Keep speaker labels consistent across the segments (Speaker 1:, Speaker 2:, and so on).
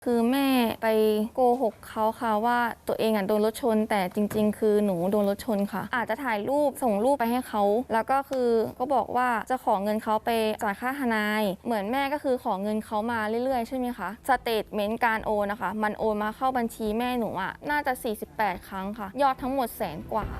Speaker 1: คือแม่ไปโกหกเขาค่ะว่าตัวเองโดนรถชนแต่จริงๆคือหนูโดนรถชนค่ะอาจจะถ่ายรูปส่งรูปไปให้เขาแล้วก็คือก็บอกว่าจะขอเงินเขาไปจ่ายค่าทนายเหมือนแม่ก็คือขอเงินเขามาเรื่อยๆใช่ไหมคะสเตทเมนต์การโอนนะคะมันโอนมาเข้าบัญชีแม่หนูน่าจะ48ครั้งค่ะยอดทั้งหมด100,000 กว่า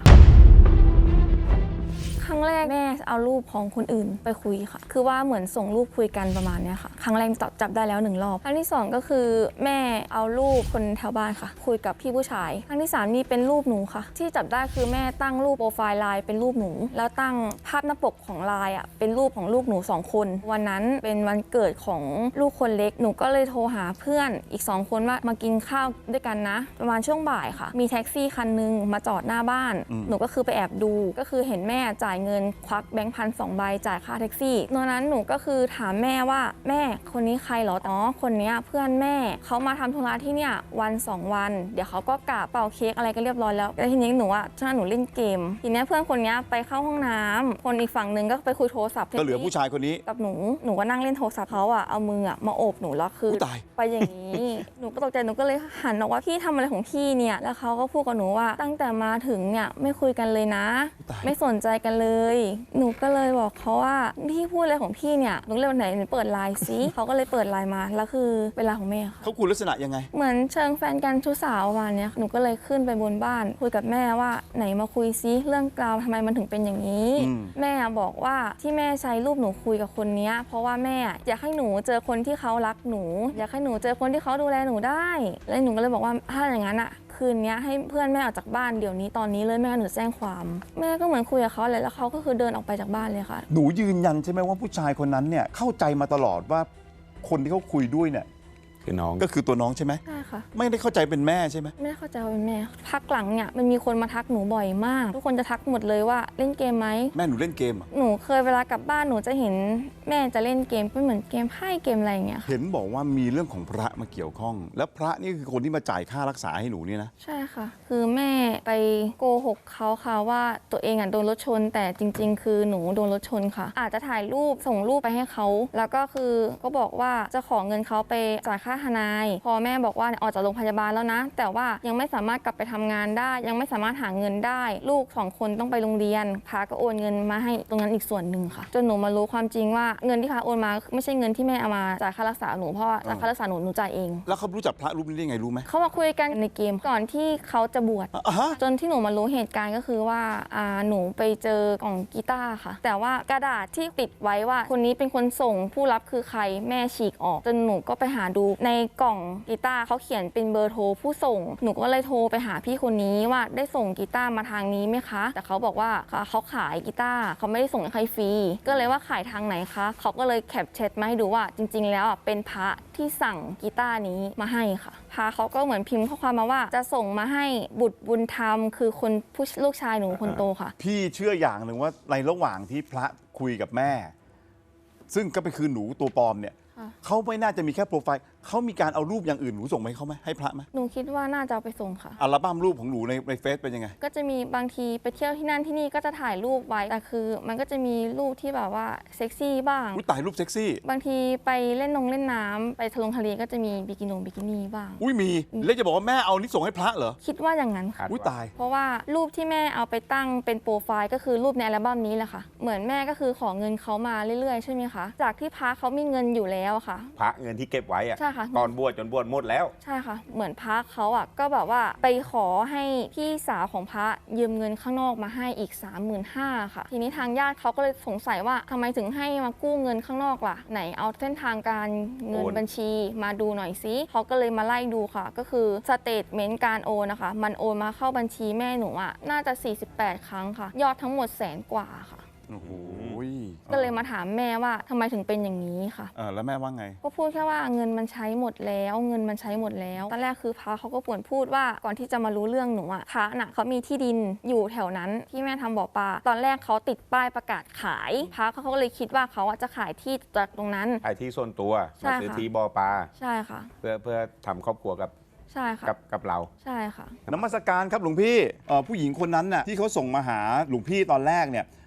Speaker 1: ครั้งแรกแม่เอารูปของคนอื่นไปคุยค่ะคือว่าเหมือนส่งรูปคุยกันประมาณนี้ค่ะครั้งแรกจับได้แล้ว1 รอบครั้งที่2ก็คือแม่เอารูปคนแถวบ้านค่ะคุยกับพี่ผู้ชายครั้งที่3นี่เป็นรูปหนูค่ะที่จับได้คือแม่ตั้งรูปโปรไฟล์ไลน์เป็นรูปหนูแล้วตั้งภาพหน้าปกของไลน์เป็นรูปของลูกหนู2 คนวันนั้นเป็นวันเกิดของลูกคนเล็กหนูก็เลยโทรหาเพื่อนอีก2 คนว่ามากินข้าวด้วยกันนะประมาณช่วงบ่ายค่ะมีแท็กซี่คันนึงมาจอดหน้าบ้านหนูก็คือไปแอบดูก็คือเห็นแม่จ่ายเงินควักแบงค์พัน2 ใบจ่ายค่าแท็กซี่ตอนนั้นหนูก็คือถามแม่ว่าแม่คนนี้ใครเหรออ๋อคนนี้เพื่อนแม่เขามาทำธุระที่เนี่ยวัน2 วันเดี๋ยวเขาก็กลับเป่าเค้กอะไรก็เรียบร้อยแล้วทีนี้หนูช่วงหนูเล่นเกมทีนี้เพื่อนคนนี้ไปเข้าห้องน้ำคนอีกฝั่งนึงก็ไปคุยโทรศัพท์
Speaker 2: ก็เหลือผู้ชายคนนี้
Speaker 1: กับหนูก็นั่งเล่นโทรศัพท์เขาเอามือมาโอบหนูแล้วคือไปอย่างนี้หนูก็ตกใจหนูก็เลยหันบอกว่าพี่ทำอะไรของพี่เนี่ยแล้วเขาก็พูดกับหนูว่าตั้งแต่มาถึงเนี่ยไม่คุยกันเลยนะไม่สนใจกันเลยหนูก็เลยบอกเขาว่าพี่พูดอะไรของพี่เนี่ยหนูเลยวันไหนหนูเปิดไลน์ซิเขาก็เลยเปิดไลน์มาแล้วคือเวลาของแม่ค่ะ
Speaker 2: เขาคุยลักษณะยังไง
Speaker 1: เหมือนเชิงแฟนกันชู้สาวประมาณนี้หนูก็เลยขึ้นไปบนบ้านคุยกับแม่ว่าไหนมาคุยซิเรื่องราวทำไมมันถึงเป็นอย่างนี้แม่บอกว่าที่แม่ใช้รูปหนูคุยกับคนนี้เพราะว่าแม่อยากให้หนูเจอคนที่เขารักหนูอยากให้หนูเจอคนที่เขาดูแลหนูได้แล้วหนูก็เลยบอกว่าถ้าอย่างนั้นคืนนี้ให้เพื่อนแม่ออกจากบ้านเดี๋ยวนี้ตอนนี้เลยแม่หนูแจ้งความแม่ก็เหมือนคุยกับเขาเลยแล้วเขาก็คือเดินออกไปจากบ้านเลยค่ะ
Speaker 2: หนูยืนยันใช่ไหมว่าผู้ชายคนนั้นเนี่ยเข้าใจมาตลอดว่าคนที่เขาคุยด้วยเนี่ย
Speaker 3: คือน้อง
Speaker 2: ก็คือตัวน้องใช่ไหม
Speaker 1: ใช่ค่ะ
Speaker 2: ไม่ได้เข้าใจเป็นแม่ใช่ไหม
Speaker 1: ไม่ได้เข้าใจว่าเป็นแม่พักหลังเนี่ยมันมีคนมาทักหนูบ่อยมากทุกคนจะทักหมดเลยว่าเล่นเกมไหม
Speaker 2: แม่หนูเล่นเกม
Speaker 1: หนูเคยเวลากลับบ้านหนูจะเห็นแม่จะเล่นเกมเป็นเหมือนเกมไพ่เกมอะไรอย่างเงี้ย
Speaker 2: เห็นบอกว่ามีเรื่องของพระมาเกี่ยวข้องแล้วพระนี่คือคนที่มาจ่ายค่ารักษาให้หนูนี่นะ
Speaker 1: ใช่ค่ะคือแม่ไปโกหกเขาค่ะว่าตัวเองโดนรถชนแต่จริงๆคือหนูโดนรถชนค่ะอาจจะถ่ายรูปส่งรูปไปให้เขาแล้วก็คือก็บอกว่าจะขอเงินเขาไปจ่ายค่าทนายพอแม่บอกว่าออกจากโรงพยาบาลแล้วนะแต่ว่ายังไม่สามารถกลับไปทำงานได้ยังไม่สามารถหาเงินได้ลูก2 คนต้องไปโรงเรียนพาก็โอนเงินมาให้ตรงนั้นอีกส่วนหนึ่งค่ะจนหนูมารู้ความจริงว่าเงินที่พาโอนมาไม่ใช่เงินที่แม่เอามาจ่ายค่ารักษาหนูเพราะว่าค่ารักษาหนูจ่ายเอง
Speaker 2: แล้วเขารู้จักพระรูปนี้ได้ไงรู้ไหม
Speaker 1: เขามาคุยกันในเกมก่อนที่เขาจะบวชจนที่หนูมารู้เหตุการณ์ก็คือว่าหนูไปเจอกล่องกีตาร์ค่ะแต่ว่ากระดาษที่ติดไว้ว่าคนนี้เป็นคนส่งผู้รับคือใครแม่ฉีกออกจนหนูก็ไปหาดูในกล่องกีตาร์เขาเขียนเป็นเบอร์โทรผู้ส่งหนูก็เลยโทรไปหาพี่คนนี้ว่าได้ส่งกีตาร์มาทางนี้ไหมคะแต่เขาบอกว่าเขาขายกีตาร์เขาไม่ได้ส่งให้ใครฟรีก็เลยว่าขายทางไหนคะเขาก็เลยแคปแชทมาให้ดูว่าจริงๆแล้วเป็นพระที่สั่งกีตาร์นี้มาให้ค่ะพระเขาก็เหมือนพิมพ์ข้อความมาว่าจะส่งมาให้บุตรบุญธรรมคือคนผู้ลูกชายหนูคนโตค่ะ
Speaker 2: พี่เชื่ออย่างหนึ่งว่าในระหว่างที่พระคุยกับแม่ซึ่งก็เป็นคือหนูตัวปลอมเนี่ยเขาไม่น่าจะมีแค่โปรไฟล์เขามีการเอารูปอย่างอื่นหนูส่งไปให้เขาไหมให้พระไหม
Speaker 1: หนูคิดว่าน่าจะเอาไปส่งค่ะ
Speaker 2: อัลบั้มรูปของหนูในเฟซเป็นยังไง
Speaker 1: ก็จะมีบางทีไปเที่ยวที่นั่นที่นี่ก็จะถ่ายรูปไว้แต่คือมันก็จะมีรูปที่แบบว่าเซ็กซี่บ้าง
Speaker 2: ถ่ายรูปเซ็กซี่
Speaker 1: บางทีไปเล่นน้ำไปทะเลก็จะมีบิกินี่บ้าง
Speaker 2: มีแล้วจะบอกว่าแม่เอานี่ส่งให้พระเหรอ
Speaker 1: คิดว่าอย่างนั้นค่ะ
Speaker 2: ตาย
Speaker 1: เพราะว่ารูปที่แม่เอาไปตั้งเป็นโปรไฟล์ก็คือรูปในอัลบั้มนี้แหละค่ะเหมือนแม่ก็คือขอเงินเขามาเรื่อยๆใช่ไหมคะจากที่พระเขามีเงินอยู่แล้วค่ะ
Speaker 3: พระเงินที่เก็บไว้
Speaker 1: ใช่ค่ะ
Speaker 3: ตอนบวชจนบวชหมดแล้ว
Speaker 1: ใช่ค่ะเหมือนพระเขาก็แบบว่าไปขอให้พี่สาวของพระยืมเงินข้างนอกมาให้อีก 35,000 ค่ะทีนี้ทางญาติเขาก็เลยสงสัยว่าทำไมถึงให้มากู้เงินข้างนอกล่ะไหนเอาเส้นทางการเงินบัญชีมาดูหน่อยซิเขาก็เลยมาไล่ดูค่ะก็คือสเตทเมนต์การโอนนะคะมันโอนมาเข้าบัญชีแม่หนูน่าจะ48ครั้งค่ะยอดทั้งหมด100,000 กว่าค่ะ
Speaker 2: โอ้โห
Speaker 1: ก็เลยมาถามแม่ว่าทำไมถึงเป็นอย่างนี้ค่ะ
Speaker 2: แล้วแม่ว่าไง
Speaker 1: ก็พูดแค่ว่าเงินมันใช้หมดแล้วเงินมันใช้หมดแล้วตอนแรกคือพระเขาก็ป่วนพูดว่าก่อนที่จะมารู้เรื่องหนูพระน่ะเขามีที่ดินอยู่แถวนั้นที่แม่ทำบ่อปลาตอนแรกเขาติดป้ายประกาศขายพระเขาก็เลยคิดว่าเขาจะขายที่จากตรงนั้น
Speaker 3: ขายที่ส่วนตัวมาซื้อที่บ่อปลา
Speaker 1: ใช่ค่ะ
Speaker 3: เพื่อทำครอบครัวกับ
Speaker 1: ใช่ค่ะ
Speaker 3: กับเรา
Speaker 1: ใช่ค่ะ
Speaker 2: นมัสการครับหลวงพี่ผู้หญิงคนนั้นน่ะที่เขาส่งมาหาหลวงพี่ตอนแรกเนี่ย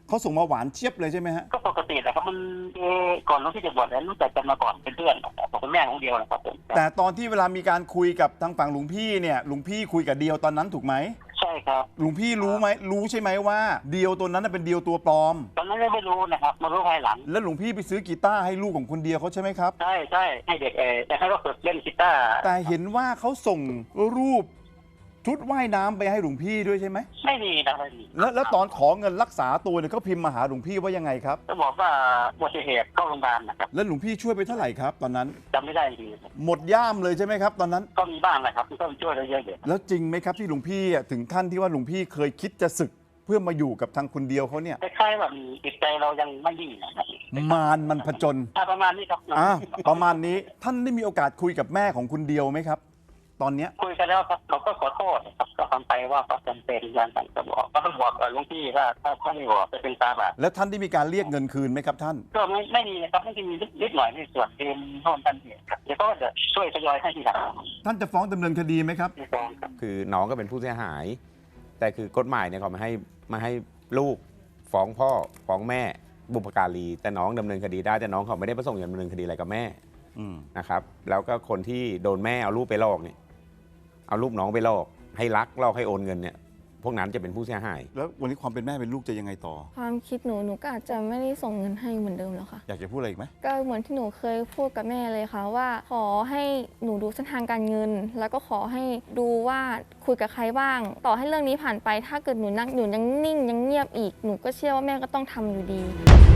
Speaker 2: เขาส่งมาหวานเจี๊ยบเลยใช่ไหมฮะ
Speaker 4: ก็ปกติแหละครับมันก่อนน้องที่จะบวชแล้วรู้จักกันมาก่อนเป็นเพื่อนนะครับผมเป็นแม่ของเดียวนะครับผม
Speaker 2: แต่ตอนที่เวลามีการคุยกับทางฝั่งหลวงพี่เนี่ยหลวงพี่คุยกับเดียวตอนนั้นถูกไหม
Speaker 4: ใช่ครับ
Speaker 2: หลวงพี่รู้ไหมรู้ใช่ไหมว่าเดียวตัวนั้นนะเป็นเดียวตัวปลอม
Speaker 4: ตอนนั้นไม่รู้นะครับมารู้ภายหลัง
Speaker 2: แล้วหลวงพี่ไปซื้อกีตาร์ให้ลูกของคนเดียวเขาใช่ไหมครับ
Speaker 4: ใช่ใช่ให้เด็กแต่ให้เขาฝึกเล่นกีตาร์
Speaker 2: แต่เห็นว่าเขาส่งรูปชุดว่ายน้ำไปให้หลวงพี่ด้วยใช่ไหม
Speaker 4: ไม่มีนะไม่มี
Speaker 2: แล้วตอนขอเงินรักษาตัวเนี่ยเขาพิมพ์มาหาหลวงพี่ว่ายังไงครับ
Speaker 4: ก็บอกว่าอุบัติเหตุเข้าโรงพยาบาลนะครับ
Speaker 2: แล้วหลวงพี่ช่วยไปเท่าไหร่ครับตอนนั้น
Speaker 4: จำไม่ได้จริง
Speaker 2: หมดย่ามเลยใช่ไหมครับตอนนั้น
Speaker 4: ๆก็มีบ้างนะครับก็ช่วยได้เยอะอยู่
Speaker 2: แล้วจริงไหมครับที่หลวงพี่ถึงขั้นที่ว่าหลวงพี่เคยคิดจะศึกเพื่อมาอยู่กับทางคนเดียวเขาเนี่ย
Speaker 4: คล้ายๆแบบจิตใจเรายังไม่นิ่งนะครับ
Speaker 2: มารมันผจญ
Speaker 4: ประมาณนี้ครับ
Speaker 2: ประมาณนี้ท่านได้มีโอกาสคุยกับแม่ของคุณเดียวไหมครับ ตอนเนี้ย
Speaker 4: คุยกันแล้วครับเขาก็ขอโทษครับก็ทำไปว่าเขาจำเป็นการสั่งจะบอกก็ต้องบอกหลวงพี่ว่าถ้าไม่บอกจะเป็นตาบาป
Speaker 2: แล้วท่านได้มีการเรียกเงินคืนไหมครับท่าน
Speaker 4: ก็ไม่มีนะครับไม่ได้มีนิดหน่อยในส่วนเป็นโน่นนั่นนี่ครับเดี๋ยวก็จะช่วยทยอยให้ทีหลัง
Speaker 2: ท่านจะฟ้องดำเนินคดีไหมครับ
Speaker 4: ในฟ้องครับ
Speaker 3: คือน้องก็เป็นผู้เสียหาย แต่คือกฎหมายเนี่ยเขาไม่ให้ลูกฟ้องพ่อฟ้องแม่บุพการีแต่น้องดำเนินคดีได้แต่น้องเขาไม่ได้ประสงค์จะดำเนินคดีอะไรกับแม่
Speaker 2: อืม
Speaker 3: นะครับ แล้วก็คนที่โดนแม่เอาลูกไปหลอกเนี่ยเอาลูกน้องไปหลอกให้รักหลอกให้โอนเงินเนี่ยพวกนั้นจะเป็นผู้เสียหาย
Speaker 2: แล้ววันนี้ความเป็นแม่เป็นลูกจะยังไงต่อ
Speaker 1: ความคิดหนูก็อาจจะไม่ได้ส่งเงินให้เหมือนเดิมแล้วค่ะ
Speaker 2: อยากจะพูดอะไรอีกไหม
Speaker 1: ก็เหมือนที่หนูเคยพูดกับแม่เลยค่ะว่าขอให้หนูดูเส้นทางการเงิน แล้วก็ขอให้ดูว่าคุยกับใครบ้าง ต่อให้เรื่องนี้ผ่านไปถ้าเกิดหนูยังนิ่งยังเงียบอีกหนูก็เชื่อว่าแม่ก็ต้องทำอยู่ดี